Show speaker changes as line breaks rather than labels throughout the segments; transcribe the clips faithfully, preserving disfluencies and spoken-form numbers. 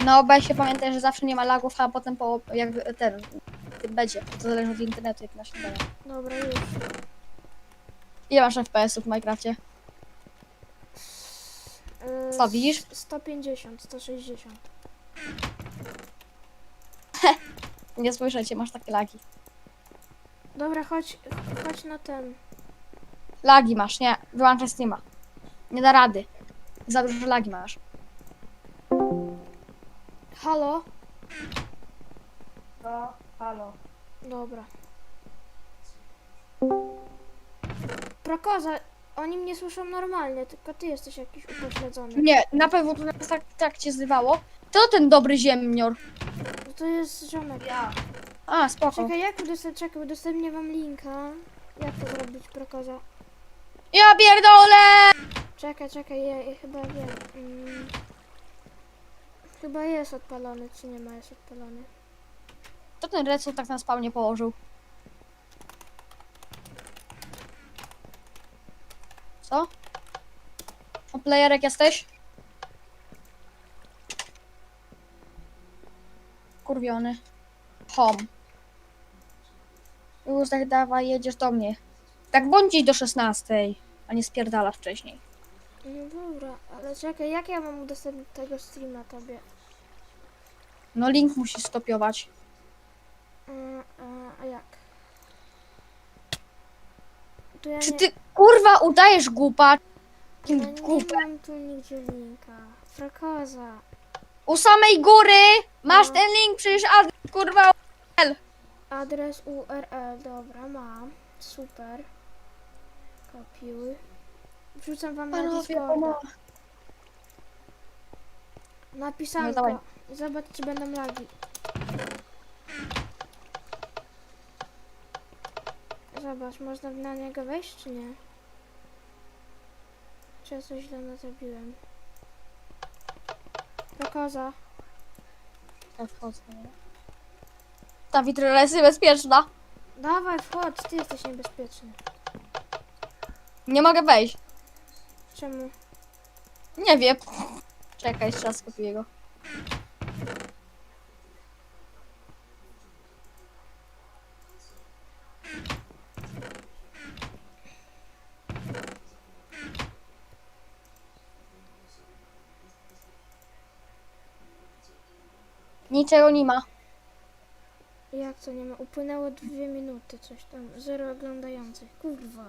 No, bo się pamiętaj, że zawsze nie ma lagów, a potem po, jak ten, będzie. To zależy od internetu, jak na śniadanie.
Dobra, już.
Ile masz F P S-ów w Minecrafcie?
Yy,
Co, widzisz?
sto pięćdziesiąt, sto sześćdziesiąt.
Nie słyszę cię, masz takie lagi.
Dobra, chodź, chodź na ten.
Lagi masz, nie. Wyłączaj Steama. Nie da rady. Za dużo lagi masz.
Halo?
No, halo.
Dobra. Prokoza, oni mnie słyszą normalnie, tylko ty jesteś jakiś upośledzony.
Nie, na pewno to nas tak, tak cię zrywało. To ten dobry ziemnior.
No to jest ziomek.
Ja. A, spoko.
Czekaj, jak udostępnię, czekaj, udostępnię wam linka. Jak to zrobić, Prokoza?
Ja pierdolę!
Czekaj, czekaj, ja, ja chyba wiem. Mm. Chyba jest odpalony, czy nie ma, jest odpalony.
To ten Redstone tak na spawnie położył. Co? O, playerek jesteś? Kurwiony. Home. Już tak dawaj, jedziesz do mnie. Tak bądź dziś do szesnastej, a nie spierdalasz wcześniej.
No dobra, ale czekaj, jak ja mam udostępnić tego streama tobie?
No link musisz stopiować.
A, a, a jak? To ja
Czy
nie,
ty kurwa udajesz głupa?
ja
Jakim
nie
głupem?
mam tu nigdzie linka. Prokoza.
U samej góry masz
No.
ten link, przecież adres kurwa.
Adres U R L, dobra, mam. Super. Kopiuj. Wrzucam wam na
Panowie,
Discorda.
pomocy.
Napisałem
No dawaj.
go. Zobacz, czy będą lagi. Zobacz, można na niego wejść, czy nie? Czy ja coś źle nazabiłem? Prokoza.
Tak, wchodzę. Ta witryna jest niebezpieczna.
Dawaj, wchodź, ty jesteś niebezpieczny.
Nie mogę wejść.
Czemu?
Nie wiem. Czekaj, jeszcze raz skopiuję go. Niczego nie ma.
Jak to nie ma? Upłynęło dwie minuty, coś tam. Zero oglądających. Kurwa.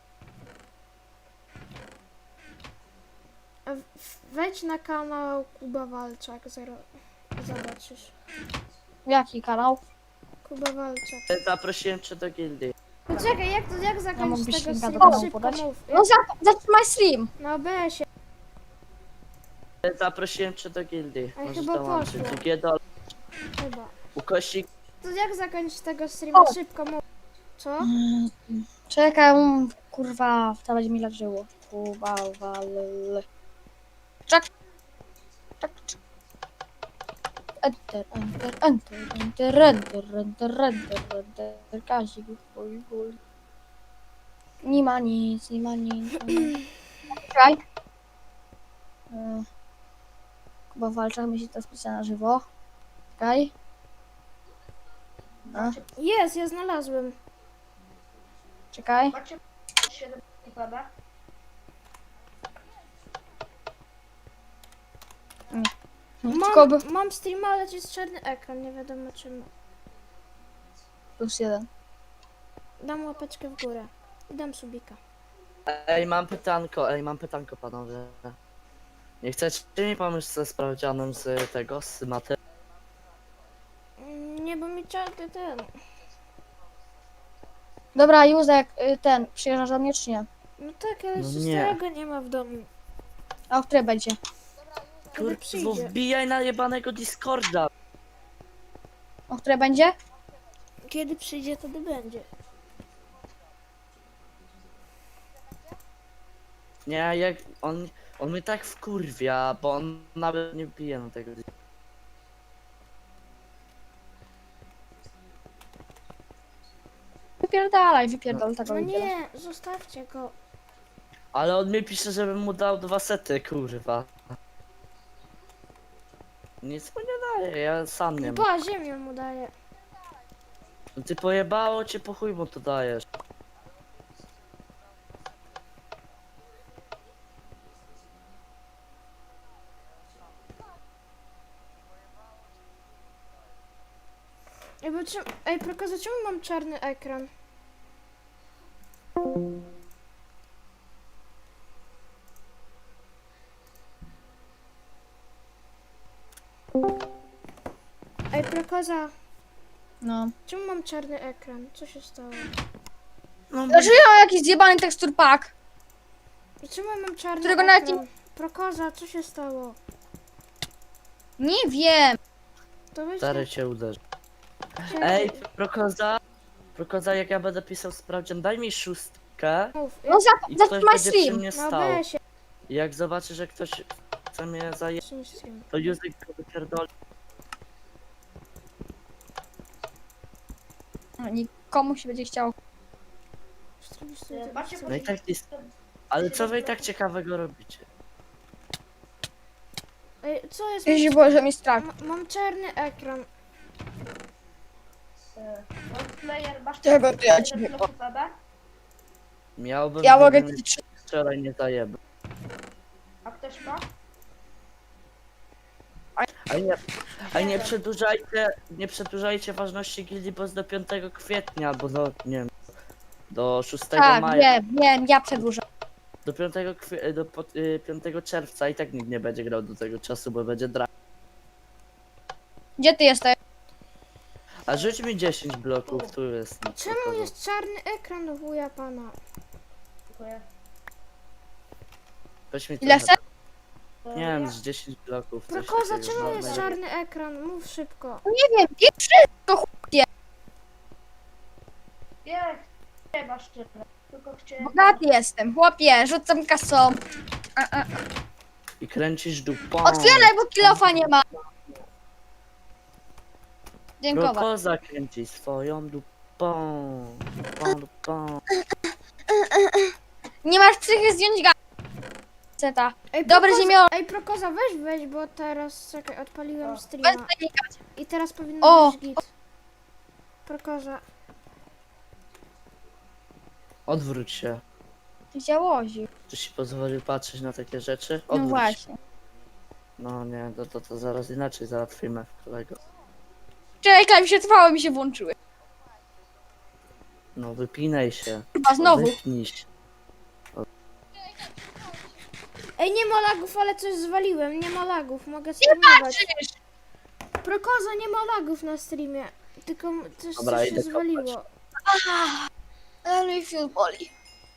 A w- wejdź na kanał Kuba Walczak, zero. Zobaczysz.
Jaki kanał?
Kuba Walczak.
Zaprosiłem cię do gildii.
Poczekaj, jak to, jak zakończyć
mógłbyś
tego
linka do
streama?
kanału
Szybko
podać?
mów.
No za, zatrzymaj stream.
Na O B S-ie.
Zaprosiłem cię do gildii.
Ale
Możesz
chyba
dołączyć.
poszło.
G do
Chyba.
ukośnik.
To jak zakończyć tego streama?
O.
Szybko mów. Co?
Czekaj, um, kurwa, to będzie mi leżyło. Kuba, wal... Czek. Czek, czek. Enter, enter, enter, enter, enter, enter, enter, enter, Kazik, chuj, chuj. Nie ma nic, nie ma nic. Czekaj. E, Kuba Walczak myśli to specjalnie na żywo. Czekaj. A,
Jest, ja znalazłem.
czekaj. Tylko by...
Mam, mam streama, ale jest czarny ekran, nie wiadomo czemu.
Plus jeden.
Dam łapeczkę w górę. I dam subika.
Ej, mam pytanko, ej, mam pytanko, panowie. Nie chcecie mi pomóc ze sprawdzianem z tego, z maty?
Mm, Nie, bo mi czarny ten.
Dobra, Józek, y, ten, przyjeżdżasz do mnie czy nie?
No tak, ale
No
jeszcze
nie.
starego nie ma w domu.
A o której będzie?
Kiedy
Kurwa,
przyjdzie?
wbijaj na jebanego Discorda.
O której będzie?
Kiedy przyjdzie, wtedy będzie.
Nie, jak on, on mnie tak wkurwia, bo on nawet nie wbije na tego.
Wypierdalaj, wypierdol tego
No
lidera.
nie, zostawcie go.
Ale on mi pisze, żebym mu dał dwa sety, kurwa. Nic mu nie daje, ja sam nie mam.
Ba, ziemię mu daje.
No ty pojebało cię, po chuj mu to dajesz.
Ej, bo czym... Ej, Prokoza, czemu mam czarny ekran? Ej, Prokoza,
No.
czemu mam czarny ekran? Co się stało?
No,
Znaczy ja mam jakiś zjebany tekstur pack.
Czemu ja mam czarny
Którego nawet
ekran? Prokoza, co się stało?
Nie wiem.
To weź
stary cię uderzy.
Czekaj,
Ej, Prokoza, Prokoza, jak ja będę pisał sprawdzian, daj mi szóstkę
mów.
No za,
i
za
ktoś
my
będzie przy
stream.
mnie
No
stał.
weź się.
I jak zobaczy, że ktoś chce mnie zajebać, to Józek go wypierdoli.
No, nikomu się będzie chciało.
No i tak jest. Ale co wy i tak ciekawego robicie?
Ej, co jest?
Jeśli Boże mi strach.
Ma, mam czarny ekran.
Player, masz
Czego to ja
ten
ciebie-
blok P B?
Miałbym
Ja mogę
gdybym
ci trzy.
wczoraj nie zajebał.
A ktoś ma?
A nie, a nie przedłużajcie, nie przedłużajcie ważności gildii, bo jest do piątego kwietnia, albo do, nie wiem, do szóstego
Tak,
maja.
wiem, wiem, ja przedłużę.
Do piątego kwie, do po- y, piątego czerwca i tak nikt nie będzie grał do tego czasu, bo będzie dra.
Gdzie ty jesteś?
A rzuć mi dziesięć bloków, tu jest.
Czemu
pokazał.
jest czarny ekran do wuja pana?
Dziękuję.
Weź mi
Ile
trochę-
chcesz?
E,
Nie wiem,
ja-
z dziesięć bloków. coś
Prokoza,
takiego,
czemu
no,
jest
najlepiej.
czarny ekran? Mów szybko.
Nie wiem, nie wszystko chłopie.
Nie, nie masz tyle. Tylko chciałem...
Bogaty jestem, chłopie, rzucam kasą. A, a.
I kręcisz dupą.
Otwieraj, bo kilofa nie ma. Dziękuję.
Prokoza kręci swoją dupą. Dupą, dupą.
Nie masz psychy zdjąć ga... Seta.
Ej,
Dobre
Prokoza-
ziemio.
Ej, Prokoza, weź weź, bo teraz, czekaj, odpaliłem
O.
Bez
streama.
panikać.
I teraz powinno
O.
być git. Prokoza.
Odwróć się.
Ty się łozi.
Czy ci pozwolił patrzeć na takie rzeczy?
No
Odwróć się.
właśnie.
No nie, to, to, to zaraz inaczej załatwimy, kolego.
Czekaj, mi się trwały, mi się włączyły.
No wypinaj się.
Chyba znowu.
Wypnij się.
Ej, nie ma lagów, ale coś zwaliłem. Nie ma lagów, mogę streamować.
Patrzysz.
Prokoza, nie ma lagów na streamie. Tylko m- coś,
Dobra,
coś się
idę
zwaliło.
Ale mi fiut boli.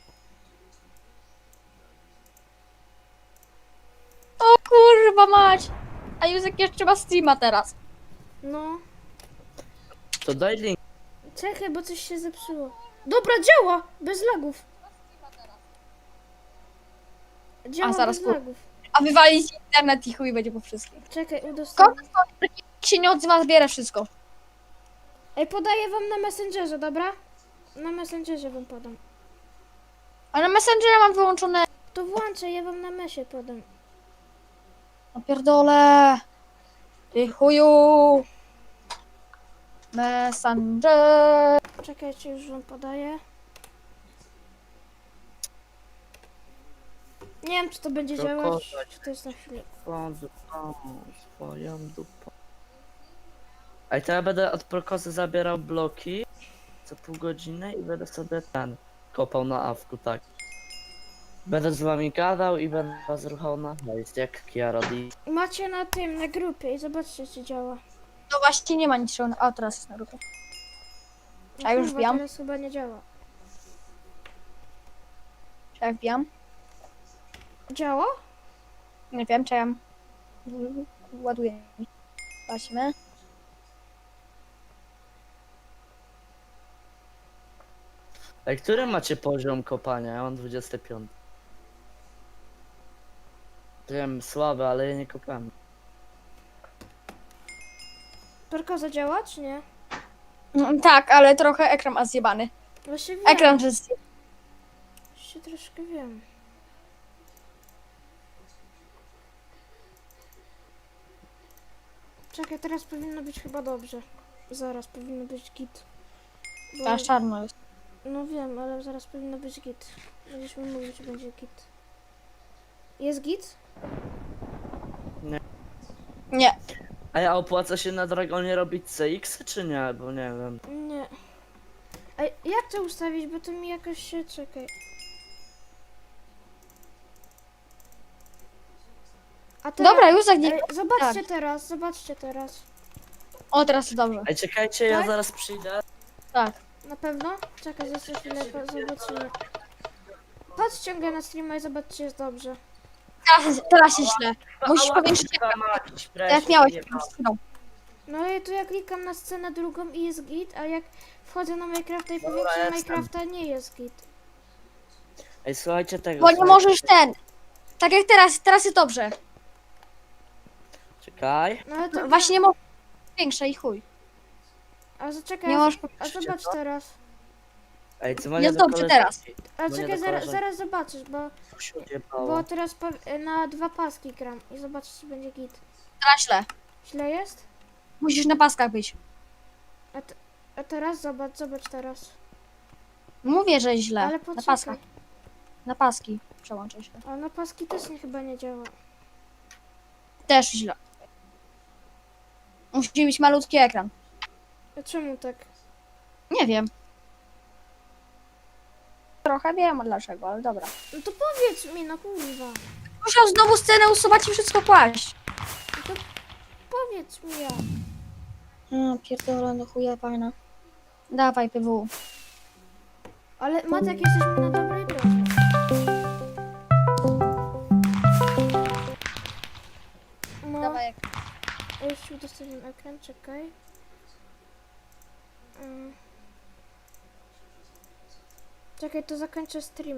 O kurwa mać. A Józek jeszcze ma streama teraz.
No.
To daj link.
Czekaj, bo coś się zepsuło. Dobra, działa! Bez lagów. Działa
A, zaraz
bez
kur-
lagów.
A wywalić internet i chuj będzie po wszystkim.
Czekaj, udostępnię.
Jak się nie odzywa, zbiera wszystko.
Ej, podaję wam na Messengerze, dobra? Na Messengerze wam podam.
A na Messengera mam wyłączone...
To włączę, ja wam na mesie podam.
No pierdolę. Ty chuju. Messenger.
Czekajcie, już wam podaję. Nie wiem, czy to będzie
To
działać,
kozak.
czy to jest na chwilę.
Swoją dupą, swoją dupą. A to ja będę od Prokozy zabierał bloki co pół godziny i będę sobie ten kopał na awku, tak. Będę z wami gadał i będę was ruchał na hejst, jak Kiarodi.
Macie na tym, na grupie i zobaczcie, czy działa.
No właśnie nie ma niczego. A teraz jest na grupie.
No
A już
kurwa,
wbijam?
teraz chyba nie działa.
Czy ja wbijam?
Działa?
Nie wiem, czy ja... Ładuję. Patrzmy.
Ej, który macie poziom kopania? Ja mam dwudziesty piąty. Wiem, słaby, ale ja nie kopałem.
Perkoza działa, czy nie?
Mm, tak, ale trochę ekran ma zjebany.
Właśnie wiem.
Ekran, że zjebany.
Jeszcze troszkę wiem. Czekaj, teraz powinno być chyba dobrze. Zaraz powinno być git. Bo-
Teraz czarno jest.
No wiem, ale zaraz powinno być git. Będziesz mi mówić, że będzie git. Jest git?
Nie.
A ja opłaca się na Dragonie robić C X czy nie? Bo nie wiem.
Nie. A jak to ustawić, bo to mi jakoś się... Czekaj. A teraz...
Dobra, już tak nie...
Ej, zobaczcie
tak.
teraz, zobaczcie teraz.
O, teraz jest dobrze.
Ej, czekajcie, ja
Tak?
zaraz przyjdę.
Tak.
Na pewno? Czekaj, jeszcze chwilę, po- zobaczymy. Patrz, ściągaj na streama i zobaczcie, jest dobrze.
Teraz, teraz jest źle. Musisz
Ała,
powiększyć
kurwa
ekran.
mać,
Tak jak
presję,
miałeś
nie
przed
ma.
chwilą.
No i tu ja klikam na scenę drugą i jest git, a jak wchodzę na Minecrafta i
Dobra,
powiększam
jestem.
Minecrafta, nie jest git.
Ej, słuchajcie tego.
Bo nie
słuchajcie.
możesz ten. Tak jak teraz, teraz jest dobrze.
Czekaj.
No ale to...
Właśnie nie możesz większe i chuj.
A zaczekaj,
Nie
a,
możesz
a zobacz teraz.
Ej, dzwonię
Jest
do
dobrze
koleżanki.
A
Dzwonię
czekaj,
do
zaraz,
koleżanki.
zaraz zobaczysz, bo,
Co się odjebało?
bo teraz po, na dwa paski gram i zobaczysz, czy będzie git.
Teraz źle.
Źle jest?
Musisz na paskach być.
A, te, a teraz zobacz, zobacz teraz.
Mówię, że źle.
Ale
Na
poczekaj.
paskach. Na paski. Przełączę się.
A na paski też nie, chyba nie działa.
Też źle. Musi być malutki ekran.
A czemu tak?
Nie wiem. Trochę wiem dlaczego, ale dobra.
No to powiedz mi, no kurwa.
Musiał znowu scenę usuwać i wszystko kłaść.
No to powiedz mi ja.
No, pierdolę, no chuja pana. Dawaj, P W.
Ale Matek, jesteśmy na dobrej drodze. No,
Dawaj,
już ci udostępniam ekran, czekaj. Mm. Czekaj, to zakończę stream.